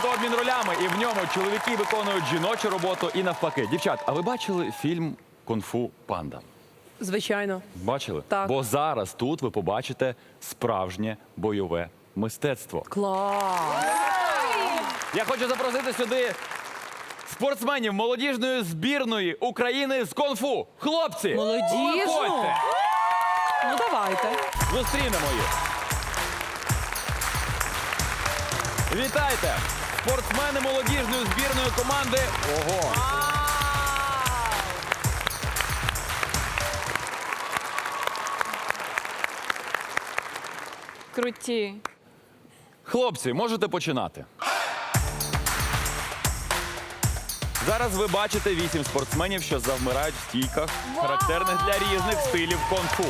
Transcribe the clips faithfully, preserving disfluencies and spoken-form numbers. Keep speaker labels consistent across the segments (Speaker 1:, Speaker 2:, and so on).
Speaker 1: моменту обмін ролями, і в ньому чоловіки виконують жіночу роботу і навпаки. Дівчат, а ви бачили фільм «Кунг-фу Панда»?
Speaker 2: Звичайно.
Speaker 1: Бачили?
Speaker 2: Так.
Speaker 1: Бо зараз тут ви побачите справжнє бойове мистецтво.
Speaker 2: Клас!
Speaker 1: Я хочу запросити сюди спортсменів молодіжної збірної України з кунг-фу. Хлопці,
Speaker 2: Молодіжну?
Speaker 1: виходьте!
Speaker 2: Ну давайте.
Speaker 1: Зустрінемо їх. Вітайте! Спортсмени молодіжної збірної команди «Ого».
Speaker 3: Круті.
Speaker 1: Хлопці, можете починати. Зараз ви бачите вісім спортсменів, що завмирають в стійках, характерних для різних стилів кунг-фу.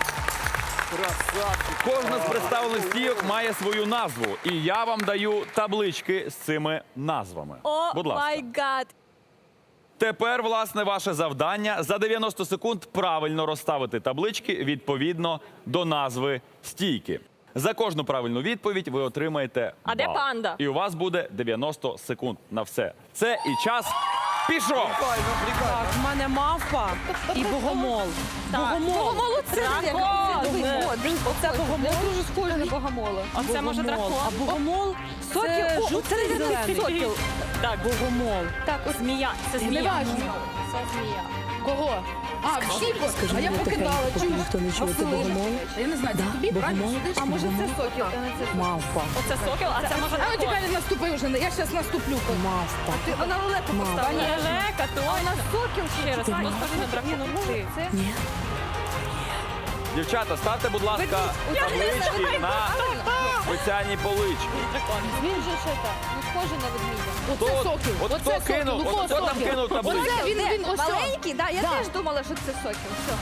Speaker 1: Кожна з представлених стійок має свою назву, і я вам даю таблички з цими назвами.
Speaker 3: О,
Speaker 1: Будь ласка.
Speaker 3: май гад.
Speaker 1: Тепер, власне, ваше завдання за дев'яносто секунд правильно розставити таблички відповідно до назви стійки. За кожну правильну відповідь ви отримаєте
Speaker 3: А де
Speaker 1: бал.
Speaker 3: панда?
Speaker 1: І у вас буде дев'яносто секунд на все. Це і час пішов!
Speaker 2: Так, в мене мавпа і богомол. Богомол.
Speaker 3: Богомолу це дракон.
Speaker 2: Оце богомол.
Speaker 3: Дуже схоже на богомола. А це може
Speaker 2: Богомол.
Speaker 3: дракон?
Speaker 2: А богомол це
Speaker 3: Сокіл. О,
Speaker 2: жовтий
Speaker 3: це
Speaker 2: зелений.
Speaker 3: сокіл. Так,
Speaker 2: Богомол.
Speaker 3: так, от змія. Це змія.
Speaker 4: Неважно.
Speaker 3: Це змія.
Speaker 4: Кого? А, всі, а я покидала. Чому?
Speaker 2: Ніхто не чує, це богомол.
Speaker 4: Я не знаю, це тобі правильно?
Speaker 2: Богомол.
Speaker 4: А може це сокіл?
Speaker 2: Мавпа.
Speaker 3: Оце сокіл, а це може
Speaker 4: А ну
Speaker 3: дракон.
Speaker 4: тепер наступи вже, я зараз наступлю.
Speaker 2: Мавпа.
Speaker 4: Ти, вона лелеку
Speaker 2: Мама.
Speaker 4: поставила.
Speaker 3: Пані Лелека, то у нас сокіл ще раз.
Speaker 2: Ти
Speaker 3: Пані,
Speaker 2: мама.
Speaker 3: схоже на дракон. Це
Speaker 2: Ні.
Speaker 1: Дівчата, ставте, будь ласка, таблички на спеціальні полички.
Speaker 3: Він же що так, не схоже на ведмідя.
Speaker 1: Хто,
Speaker 4: Оце
Speaker 1: от,
Speaker 4: сокіл.
Speaker 1: от
Speaker 4: Оце
Speaker 1: хто кинув,
Speaker 4: сокіл.
Speaker 1: от хто там
Speaker 4: Сокіл.
Speaker 1: кинув табличку?
Speaker 4: Оце він, він, ось.
Speaker 3: Маленький, да, я
Speaker 4: Да.
Speaker 3: теж думала, що це сокіл. Все.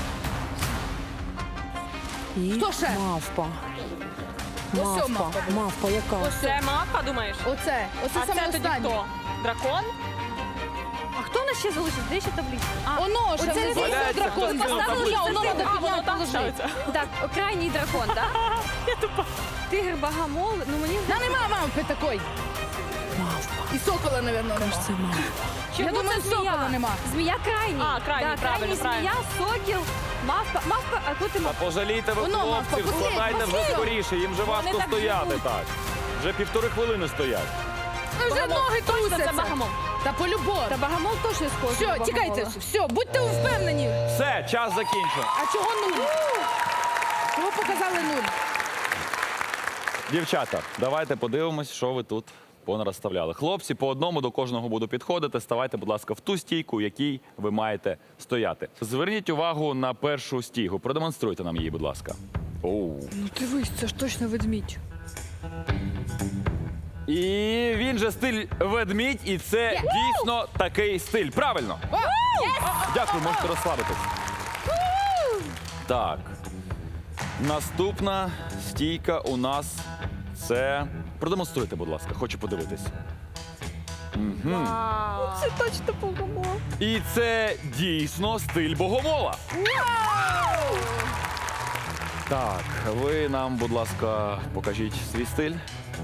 Speaker 2: І
Speaker 4: Хто ще?
Speaker 2: мавпа.
Speaker 4: Ось
Speaker 2: Мавпа.
Speaker 4: мавпа.
Speaker 2: Мавпа яка?
Speaker 3: Це мапа, думаєш?
Speaker 4: Оце, оце
Speaker 3: А
Speaker 4: саме
Speaker 3: це тоді
Speaker 4: останнє.
Speaker 3: хто? Дракон? А хто у нас ще залишився? Де ще таблиця? А,
Speaker 4: Оно, ще
Speaker 3: оце
Speaker 4: внизу
Speaker 3: не
Speaker 1: Валяється,
Speaker 4: дракон.
Speaker 1: хтось кинув
Speaker 4: Поставили,
Speaker 1: таблицю.
Speaker 4: воно треба
Speaker 3: А, воно
Speaker 4: підняти,
Speaker 3: там
Speaker 4: положити.
Speaker 3: ставиться. Так, крайній дракон, так? Тигр, багамол, ну мені
Speaker 4: Та нема мамки такої.
Speaker 2: Мавпа.
Speaker 4: І сокола, мабуть, нема.
Speaker 2: Це мавпа.
Speaker 4: Я
Speaker 3: Чому
Speaker 4: думаю,
Speaker 3: це змія?
Speaker 4: сокола нема.
Speaker 3: Змія крайній. А, крайній,
Speaker 4: Да,
Speaker 3: правильно,
Speaker 4: крайній
Speaker 3: змія, сокіл, мавпа, мавпа, а тут і
Speaker 1: Та
Speaker 3: мавпа.
Speaker 1: пожалійте ви
Speaker 4: Воно, мавпа,
Speaker 1: хлопців,
Speaker 4: посидь,
Speaker 1: складайте вже
Speaker 4: посидь.
Speaker 1: скоріше, їм вже важко
Speaker 3: так
Speaker 1: стояти
Speaker 3: живуть.
Speaker 1: так. Вже півтори хвилини стоять.
Speaker 4: Ну, вже ноги
Speaker 3: Точно, це
Speaker 4: трусяться.
Speaker 3: багамол.
Speaker 4: Та по-любому.
Speaker 3: Та багамол точно схожий на
Speaker 4: Все,
Speaker 3: багамола.
Speaker 4: тікайте, все, будьте впевнені.
Speaker 1: Все, час закінчено.
Speaker 4: А чого нуль? Чого показали нуль?
Speaker 1: Дівчата, давайте подивимось, що ви тут понарозставляли. Хлопці, по одному до кожного буду підходити. Ставайте, будь ласка, в ту стійку, в якій ви маєте стояти. Зверніть увагу на першу стійку. Продемонструйте нам її, будь ласка. Оу.
Speaker 4: Ну дивись, це ж точно ведмідь.
Speaker 1: І він же стиль ведмідь, і це дійсно такий стиль. Правильно. Дякую, можете розслабитись. Так. Наступна стійка у нас це. Продемонструйте, будь ласка, хочу подивитись.
Speaker 3: Це точно багамол.
Speaker 1: І це дійсно стиль богомола. Так, ви нам, будь ласка, покажіть свій стиль.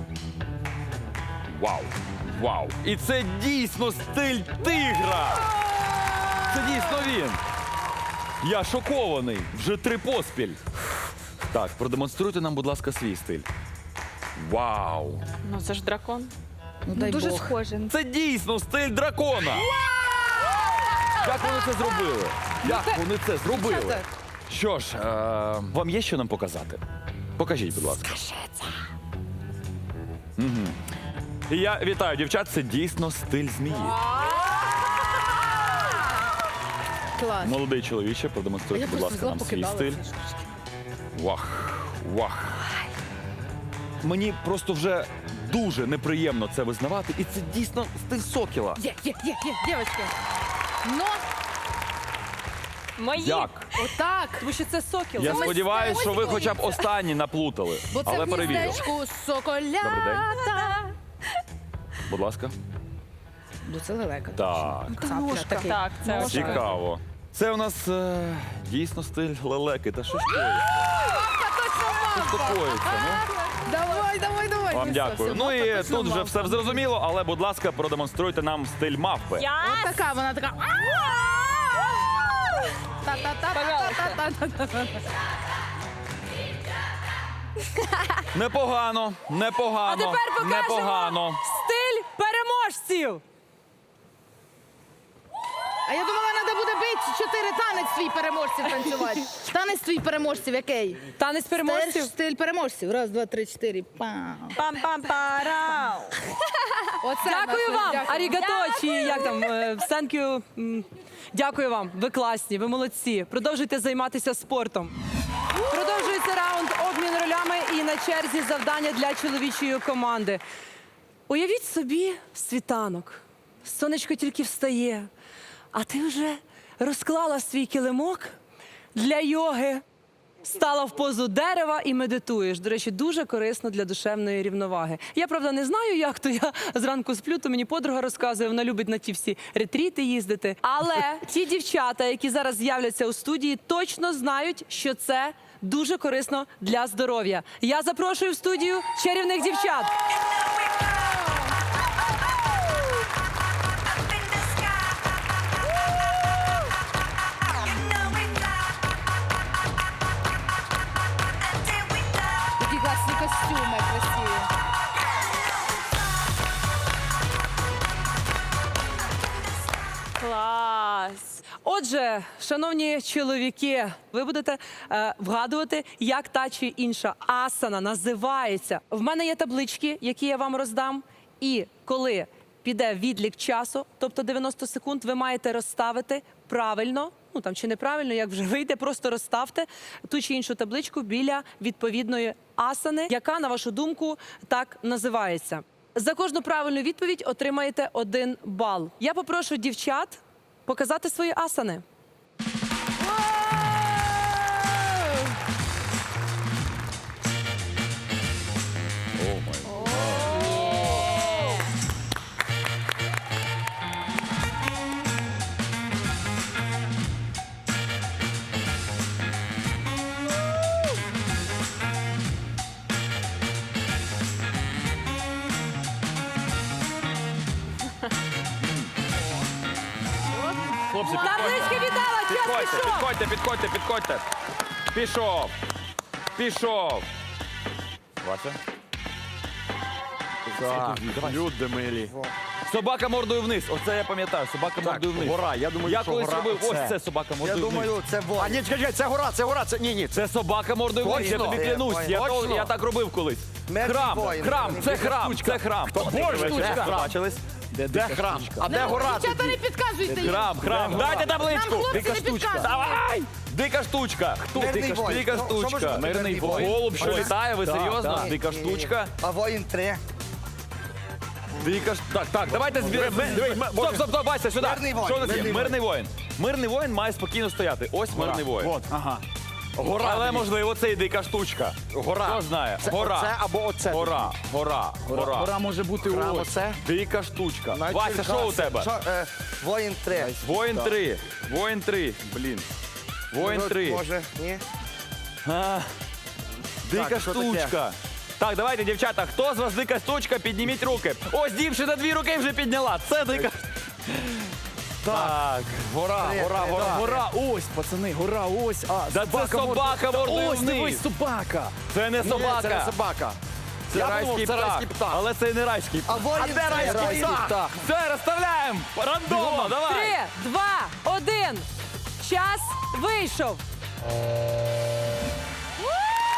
Speaker 1: Вау! Вау! І це дійсно стиль тигра! Це дійсно він! Я шокований! Вже три поспіль. Так, продемонструйте нам, будь ласка, свій стиль. Вау!
Speaker 3: Ну це ж дракон.
Speaker 4: Ну дай
Speaker 3: Дуже
Speaker 4: Бог.
Speaker 3: схоже.
Speaker 1: Це дійсно стиль дракона! Як вони це зробили? Як вони це зробили?
Speaker 4: Дівчата.
Speaker 1: Що ж, е, вам є що нам показати? Покажіть, будь ласка. Угу. І я вітаю, дівчат, це дійсно стиль змії.
Speaker 4: Клас.
Speaker 1: Молодий чоловіче, продемонструйте,
Speaker 4: Я
Speaker 1: будь
Speaker 4: просто
Speaker 1: ласка,
Speaker 4: взяла,
Speaker 1: нам свій
Speaker 4: покидала.
Speaker 1: стиль. Вах, вах. Мені просто вже дуже неприємно це визнавати, і це дійсно стиль сокіла.
Speaker 4: Є, є, є, є, дівчатки. Ну,
Speaker 3: Мої.
Speaker 1: Як?
Speaker 4: отак.
Speaker 2: Тому що це сокіл.
Speaker 1: Я
Speaker 4: Ось
Speaker 1: сподіваюся,
Speaker 4: це,
Speaker 1: що ви
Speaker 4: ось
Speaker 1: хоча б
Speaker 4: дивіться.
Speaker 1: останні наплутали.
Speaker 4: Бо це
Speaker 1: Але
Speaker 4: в
Speaker 1: перевірю.
Speaker 4: гніздечку
Speaker 1: Добрий
Speaker 4: соколята.
Speaker 1: Будь ласка.
Speaker 4: Ну це лелека.
Speaker 1: Так,
Speaker 4: Цапля такий.
Speaker 3: Так, це ось.
Speaker 1: цікаво. Це у нас е, дійсно стиль лелеки. Та що ж коїться?
Speaker 4: Та точно
Speaker 1: Що ж
Speaker 4: мавпа.
Speaker 1: коїться, ну?
Speaker 4: Давай давай, давай, давай.
Speaker 1: Вам
Speaker 4: Ну,
Speaker 1: дякую.
Speaker 4: все,
Speaker 1: Ну
Speaker 4: все,
Speaker 1: і
Speaker 4: мавпа,
Speaker 1: тут
Speaker 4: точно
Speaker 1: вже все
Speaker 4: мавпа.
Speaker 1: зрозуміло, але, будь ласка, продемонструйте нам стиль мавпи.
Speaker 3: Я
Speaker 4: От така, вона така. Та-та-та-та-та-та-та-та.
Speaker 1: Непогано, непогано,
Speaker 2: А тепер покажемо
Speaker 1: непогано.
Speaker 2: стиль переможців.
Speaker 4: А я думала, треба буде бити чотири танець свій переможців танцювати. Танець свій переможців який?
Speaker 2: Танець переможців.
Speaker 4: Теж стиль переможців. Раз, два, три, чотири. Пам.
Speaker 2: Пам-пам-парау.
Speaker 4: Оце
Speaker 2: Дякую
Speaker 4: наше,
Speaker 2: вам,
Speaker 4: дякую.
Speaker 2: арігато, чи як там, е, thank you. М, Дякую вам, ви класні, ви молодці. Продовжуйте займатися спортом. Продовжується раунд обмін ролями і на черзі завдання для чоловічої команди. Уявіть собі світанок. Сонечко тільки встає, а ти вже розклала свій килимок для йоги. Стала в позу дерева і медитуєш. До речі, дуже корисно для душевної рівноваги. Я, правда, не знаю, як то я зранку сплю, то мені подруга розказує, вона любить на ті всі ретріти їздити. Але ті дівчата, які зараз з'являться у студії, точно знають, що це дуже корисно для здоров'я. Я запрошую в студію чарівних дівчат.
Speaker 4: Такі класні костюми красиві.
Speaker 2: Клас! Отже, шановні чоловіки, ви будете е, вгадувати, як та чи інша асана називається. В мене є таблички, які я вам роздам. І коли піде відлік часу, тобто дев'яносто секунд, ви маєте розставити правильно, ну там чи неправильно, як вже вийде, просто розставте ту чи іншу табличку біля відповідної асани, яка, на вашу думку, так називається. За кожну правильну відповідь отримаєте один бал. Я попрошу дівчат показати свої асани.
Speaker 1: Хлопці,
Speaker 2: Таблички віддала, час
Speaker 1: підходьте,
Speaker 2: пішов!
Speaker 1: підходьте, підходьте, підходьте. Пішов. Пішов. Вася.
Speaker 5: Так, люди милі.
Speaker 1: Собака мордою вниз. Оце я пам'ятаю. Собака
Speaker 5: Так,
Speaker 1: мордою вниз.
Speaker 5: гора. Я думаю,
Speaker 1: Я
Speaker 5: що
Speaker 1: колись
Speaker 5: гора
Speaker 1: робив.
Speaker 5: оце.
Speaker 1: Ось це собака
Speaker 5: Я
Speaker 1: мордою вниз.
Speaker 5: думаю, це во. А ні, чекай, чекай, це гора, це гора, це ні, ні.
Speaker 1: Це собака мордою вниз. Я
Speaker 5: Точно?
Speaker 1: тобі клянусь. Я,
Speaker 5: Точно?
Speaker 1: то- я так робив колись.
Speaker 5: Мертвий
Speaker 1: Храм,
Speaker 5: воїн.
Speaker 1: храм, це храм, це храм.
Speaker 5: Боже,
Speaker 1: Де
Speaker 5: де храм?
Speaker 1: бачились?
Speaker 5: Де храм? А де гора
Speaker 4: Дівчата,
Speaker 5: тоді?
Speaker 4: не підказуйте їм.
Speaker 1: Храм, храм. Дайте
Speaker 4: Нам
Speaker 1: табличку.
Speaker 4: хлопці
Speaker 1: Дика
Speaker 4: не
Speaker 1: штучка.
Speaker 4: підказують.
Speaker 1: Давай! Дика штучка. Хто
Speaker 5: Мирний
Speaker 1: дика,
Speaker 5: воїн.
Speaker 1: дика
Speaker 5: Що- що може
Speaker 1: штучка?
Speaker 5: бути мирний воїн?
Speaker 1: Голуб, що
Speaker 5: Ага.
Speaker 1: літає, ви
Speaker 5: Так,
Speaker 1: серйозно?
Speaker 5: так.
Speaker 1: Дика штучка.
Speaker 5: А воїн три.
Speaker 1: Дика ж... Так, так, давайте зберемо. Стоп, стоп, стоп, Вася, сюди.
Speaker 5: Мирний воїн,
Speaker 1: Що у нас є?
Speaker 5: мирний
Speaker 1: Мирний воїн. Мирний воїн має спокійно стояти. Ось мирний воїн.
Speaker 5: От, ага.
Speaker 1: Гора, але
Speaker 5: дивіться.
Speaker 1: можливо це і дика штучка.
Speaker 5: Гора.
Speaker 1: Хто знає?
Speaker 5: Це
Speaker 1: Гора.
Speaker 5: оце або оце.
Speaker 1: Гора, гора, гора.
Speaker 5: Гора може бути
Speaker 1: Храм
Speaker 5: ось.
Speaker 1: оце. Дика штучка.
Speaker 5: Навіть
Speaker 1: Вася, що у
Speaker 5: Черкаси.
Speaker 1: тебе?
Speaker 5: Що, е, воїн три.
Speaker 1: Воїн три. Воїн три. Блін. Воїн
Speaker 5: Ну,
Speaker 1: три.
Speaker 5: Може, ні?
Speaker 1: А, Дика
Speaker 5: Так, що таке?
Speaker 1: штучка. Так, давайте, дівчата, хто з вас дика штучка, підніміть руки. Ось дівчина дві руки вже підняла. Це дика. Так, гора,
Speaker 5: Три,
Speaker 1: гора,
Speaker 5: три,
Speaker 1: гора,
Speaker 5: так.
Speaker 1: гора.
Speaker 6: Ось, пацани, гора, ось. А,
Speaker 1: Да це собака мордою
Speaker 6: Ось,
Speaker 1: вниз.
Speaker 6: дивись, собака.
Speaker 1: Це не
Speaker 5: Ні,
Speaker 1: собака.
Speaker 5: це не собака.
Speaker 1: Це
Speaker 5: Я
Speaker 1: райський
Speaker 5: думав, це
Speaker 1: птах.
Speaker 5: райський птах.
Speaker 1: Але це не райський
Speaker 5: А
Speaker 1: птах.
Speaker 5: воїн
Speaker 1: А де
Speaker 5: це
Speaker 1: райський
Speaker 5: райський
Speaker 1: птах?
Speaker 5: птах.
Speaker 1: Все, розставляємо. Рандомно, давай.
Speaker 2: Три, два, один. Час вийшов.
Speaker 4: О!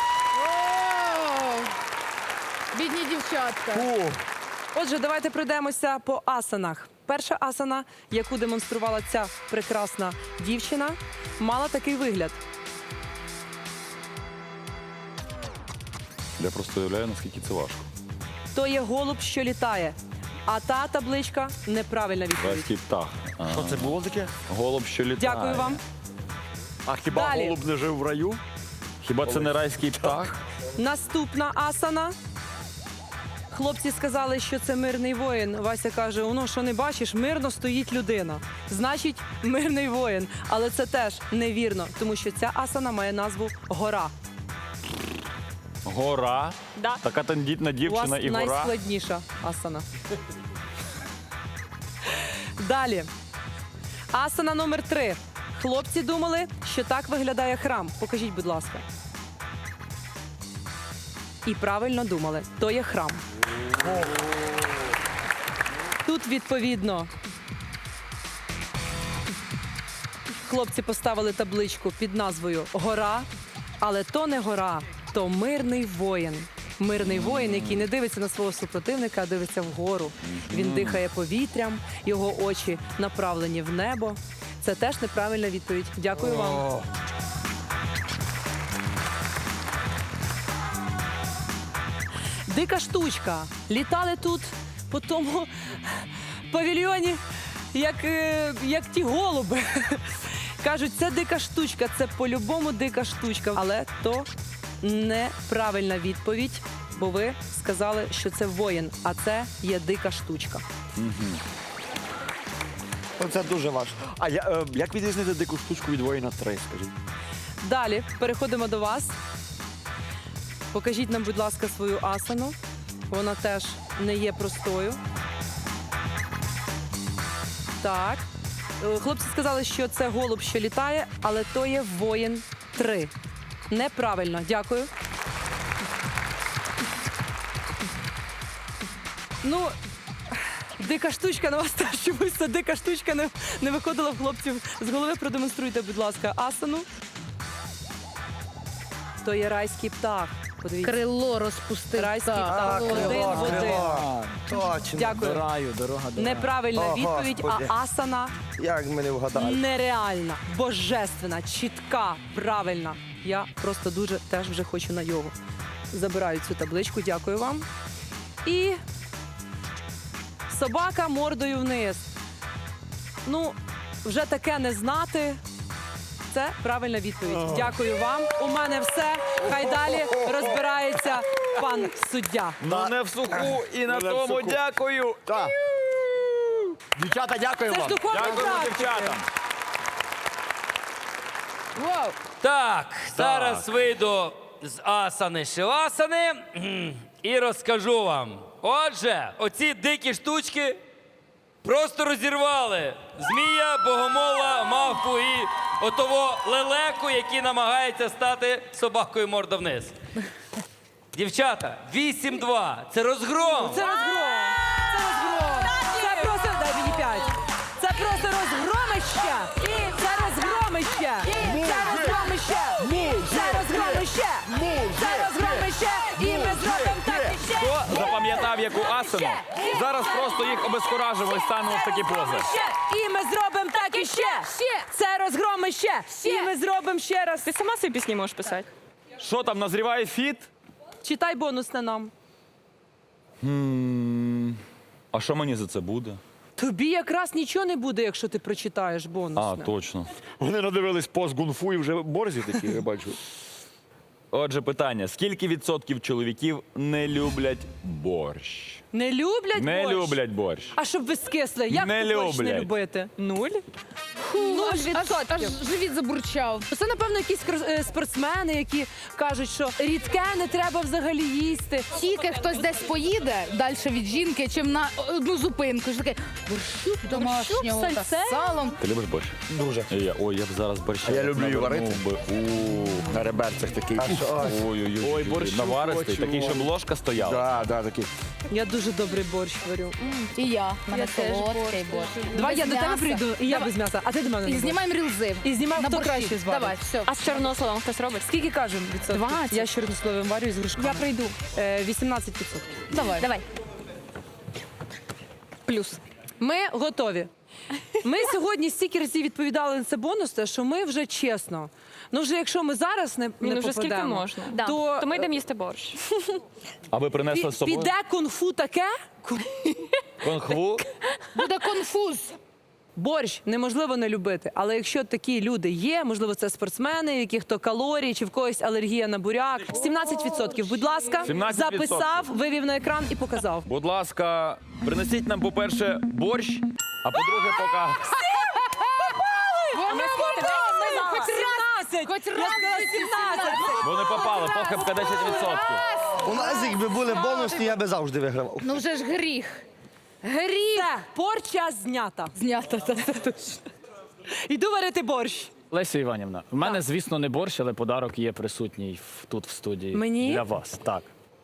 Speaker 4: Бідні дівчатка.
Speaker 2: Отже, давайте пройдемося по асанах. Перша асана, яку демонструвала ця прекрасна дівчина, мала такий вигляд.
Speaker 1: Я просто уявляю, наскільки це важко.
Speaker 2: То є голуб, що літає. А та табличка неправильна відповідь.
Speaker 1: Райський птах. А,
Speaker 5: Що це було таке?
Speaker 1: голуб, що літає.
Speaker 2: Дякую вам.
Speaker 5: А хіба
Speaker 2: Далі.
Speaker 5: голуб не жив в раю?
Speaker 1: Хіба це не райський птах?
Speaker 2: Наступна асана. Хлопці сказали, що це мирний воїн. Вася каже: ну що не бачиш, мирно стоїть людина. Значить, мирний воїн. Але це теж невірно, тому що ця асана має назву гора.
Speaker 1: Гора.
Speaker 3: Да.
Speaker 1: Така тендітна
Speaker 2: У вас
Speaker 1: дівчина і гора.
Speaker 2: найскладніша асана. Далі. Асана номер три. Хлопці думали, що так виглядає храм. Покажіть, будь ласка. І правильно думали. То є храм. Тут, відповідно, хлопці поставили табличку під назвою «Гора», але то не гора, то мирний воїн. Мирний воїн, який не дивиться на свого супротивника, а дивиться вгору. Він дихає повітрям, його очі направлені в небо. Це теж неправильна відповідь. Дякую вам. Дика штучка. Літали тут по тому павільйоні, як, е, як ті голуби. Кажуть, це дика штучка, це по-любому дика штучка. Але то неправильна відповідь, бо ви сказали, що це воїн, а це є дика штучка.
Speaker 5: Це дуже важко.
Speaker 6: А я, е, як відрізнити дику штучку від воїна три, скажіть?
Speaker 2: Далі переходимо до вас. Покажіть нам, будь ласка, свою асану. Вона теж не є простою. Так. Е, Хлопці сказали, що це голуб, що літає, але то є воїн три. Неправильно. Дякую. Ну, дика штучка на вас теж чомусь ця дика штучка не, не виходила в хлопців з голови. Продемонструйте, будь ласка, асану. То є райський птах. Подивіться.
Speaker 4: Крило розпустив.
Speaker 2: Райський
Speaker 4: Так.
Speaker 2: птах. Один в один.
Speaker 5: Точно.
Speaker 2: Дякую.
Speaker 6: До раю, дорога до раю.
Speaker 2: Неправильна
Speaker 5: О,
Speaker 2: відповідь,
Speaker 5: Господи.
Speaker 2: а асана
Speaker 5: Як ми не вгадали?
Speaker 2: нереальна, божественна, чітка, правильна. Я просто дуже теж вже хочу на йогу. Забираю цю табличку, дякую вам. І собака мордою вниз. Ну, вже таке не знати. Це правильна відповідь. Дякую вам. У мене все. Хай далі розбирається пан суддя.
Speaker 1: Ну не в суху і на
Speaker 6: Ну, не в
Speaker 1: тому
Speaker 6: суху.
Speaker 1: дякую.
Speaker 6: Так. Дівчата, дякую
Speaker 2: Це ж
Speaker 6: вам.
Speaker 2: духовна
Speaker 1: Дякуємо
Speaker 2: практика.
Speaker 1: дівчатам.
Speaker 2: Вау.
Speaker 7: Так, зараз вийду з асани шивасани кхм, і розкажу вам. Отже, оці дикі штучки просто розірвали змія, богомола, мавпу і отого лелеку, який намагається стати собакою морда вниз. Дівчата, вісім-два. Це розгром.
Speaker 2: Це розгром! Це розгром! Це просто, дай мені п'ять. Це просто розгромище! Це розгромище! Це розгромище! Це розгромище! Це розгромище! І ми зробимо так іще!
Speaker 1: Хто запам'ятав яку асану? Зараз просто їх обезкуражимо і станемо в такі пози.
Speaker 2: І ми зробимо так іще! Це розгромище! І ми зробимо ще раз.
Speaker 3: Ти сама собі пісні можеш писати.
Speaker 1: Що там, назріває фіт?
Speaker 2: Читай бонусне нам.
Speaker 1: А що мені за це буде?
Speaker 2: Тобі якраз нічого не буде, якщо ти прочитаєш
Speaker 1: А,
Speaker 2: бонусне.
Speaker 1: точно.
Speaker 6: Вони надивились пост гунфу і вже борзі такі, я бачу.
Speaker 1: Отже, питання: скільки відсотків чоловіків не люблять борщ?
Speaker 2: Не люблять
Speaker 1: Не
Speaker 2: борщ?
Speaker 1: люблять борщ.
Speaker 2: А щоб ви скисли, як
Speaker 1: Не
Speaker 2: ти борщ не
Speaker 1: люблять.
Speaker 2: любити? Нуль?
Speaker 4: Нуль
Speaker 2: Аж,
Speaker 4: відсотків. Аж живіт забурчав.
Speaker 2: Це, напевно, якісь кр- е, спортсмени, які кажуть, що рідке не треба взагалі їсти.
Speaker 4: Тільки хтось десь поїде далі від жінки, чим на одну зупинку. Що таке борщук домашнього та
Speaker 2: сальце?
Speaker 4: з салом.
Speaker 1: Ти любиш борщ?
Speaker 5: Дуже.
Speaker 1: І я, ой, я б зараз борщ.
Speaker 5: А я люблю і варити.
Speaker 1: У,
Speaker 5: На реберцях такий.
Speaker 1: Ой-ой-ой,
Speaker 6: Ой, борщу
Speaker 1: наваристий,
Speaker 6: хочу.
Speaker 1: такий, щоб ложка стояла.
Speaker 5: Да, да, такий.
Speaker 2: Я дуже добрий борщ варю. М.
Speaker 4: І я. В мене
Speaker 2: Я теж
Speaker 4: солодкий борщ.
Speaker 2: Давай
Speaker 4: Без
Speaker 2: я до тебе
Speaker 4: м'яса.
Speaker 2: прийду, і я
Speaker 4: Давай.
Speaker 2: без м'яса, а ти до мене
Speaker 4: І
Speaker 2: на борщ.
Speaker 4: знімаємо рілзи.
Speaker 2: І знімаємо,
Speaker 4: На
Speaker 2: хто
Speaker 4: борщі.
Speaker 2: краще зварить.
Speaker 4: Давай, все.
Speaker 3: А з чорнословом хтось робить?
Speaker 2: Скільки кажемо відсотків?
Speaker 4: двадцять.
Speaker 2: Я з чорнословим варю і з грушками.
Speaker 4: Я прийду.
Speaker 2: Е, вісімнадцять відсотків.
Speaker 4: Давай.
Speaker 3: Давай.
Speaker 2: Плюс. Ми готові. Ми сьогодні стільки разів відповідали на це бонус, що ми вже чесно. Ну вже якщо ми зараз не,
Speaker 3: Ну,
Speaker 2: не
Speaker 3: вже скільки
Speaker 2: попадемо,
Speaker 3: можна. Да.
Speaker 2: то,
Speaker 3: То ми йдемо їсти борщ.
Speaker 1: А ви принесли з
Speaker 2: пі-
Speaker 1: собою?
Speaker 2: піде кунг-фу таке.
Speaker 1: Конхву?
Speaker 4: Буде конфуз.
Speaker 2: Борщ неможливо не любити, але якщо такі люди є, можливо, це спортсмени, в яких то калорії чи в когось алергія на буряк. сімнадцять відсотків, будь ласка,
Speaker 1: сімнадцять відсотків.
Speaker 2: записав, вивів на екран і показав.
Speaker 1: Будь ласка, принесіть нам, по-перше, борщ, а по-друге, пока.
Speaker 2: тринадцять сімнадцять!
Speaker 4: Хоч
Speaker 2: Я
Speaker 4: раз
Speaker 2: сказала
Speaker 4: в житті
Speaker 2: сімнадцять!
Speaker 1: Вони попали, похибка десять відсотків.
Speaker 5: У нас якби були бонусні, я би завжди вигравав.
Speaker 4: Ну вже ж гріх. Гріх.
Speaker 2: Все, порча знята.
Speaker 4: Знято, це це точно.
Speaker 2: Іду варити борщ.
Speaker 8: Леся Іванівна, в мене, звісно, не борщ, але подарок є присутній в- тут в студії.
Speaker 2: Мені?
Speaker 8: Для вас, так.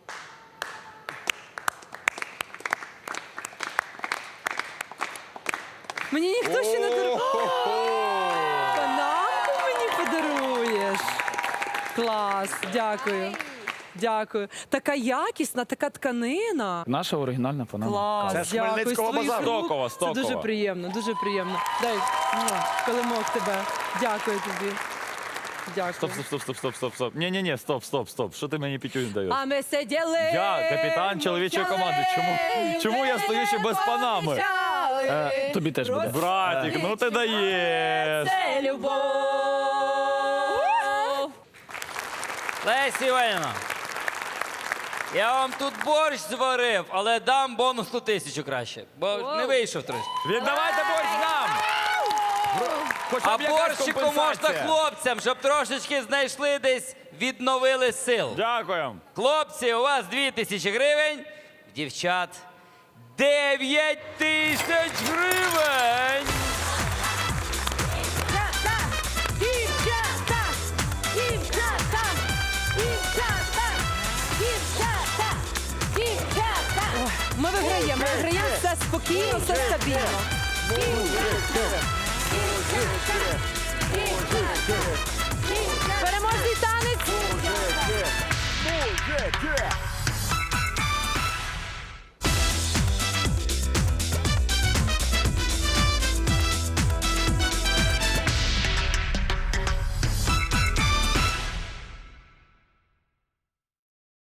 Speaker 2: Мені ніхто ще не дарує. Панамку мені подаруєш. Клас, дякую. Дякую. Така якісна, така тканина.
Speaker 8: Наша оригінальна панама.
Speaker 2: Клас,
Speaker 6: Це з
Speaker 2: дякую.
Speaker 6: Хмельницького
Speaker 2: З твоїх
Speaker 6: базару.
Speaker 2: рук.
Speaker 1: Стокова,
Speaker 2: Це
Speaker 1: Стокова.
Speaker 2: дуже приємно, дуже приємно. Дай муа, килимок тебе. Дякую тобі. Дякую.
Speaker 1: Стоп, стоп, стоп, стоп, стоп, стоп, стоп. Ні, ні, ні, стоп, стоп, стоп. Що ти мені пітюнь даєш?
Speaker 2: А ми сиділи.
Speaker 1: Я капітан чоловічої команди. Чому, чому я стою ще без панами?
Speaker 8: Е, тобі теж буде.
Speaker 1: Братік, ну ти даєш.
Speaker 2: Це любов.
Speaker 7: Леся Іванівна, я вам тут борщ зварив, але дам бонусну тисячу краще, бо не вийшов трошки.
Speaker 1: Віддавайте борщ нам! Хоча
Speaker 7: А
Speaker 1: б якась
Speaker 7: борщику можна
Speaker 1: компенсація.
Speaker 7: хлопцям, щоб трошечки знайшли десь, відновили сил.
Speaker 1: Дякую.
Speaker 7: Хлопці, у вас дві тисячі гривень, дівчат дев'ять тисяч гривень.
Speaker 4: Дівчата! Дівчата! Дівчата! Дівчата! Дівчата! Дівчата!
Speaker 2: Ми виграємо, ми виграємо все спокійно, все стабільно. Переможний танець.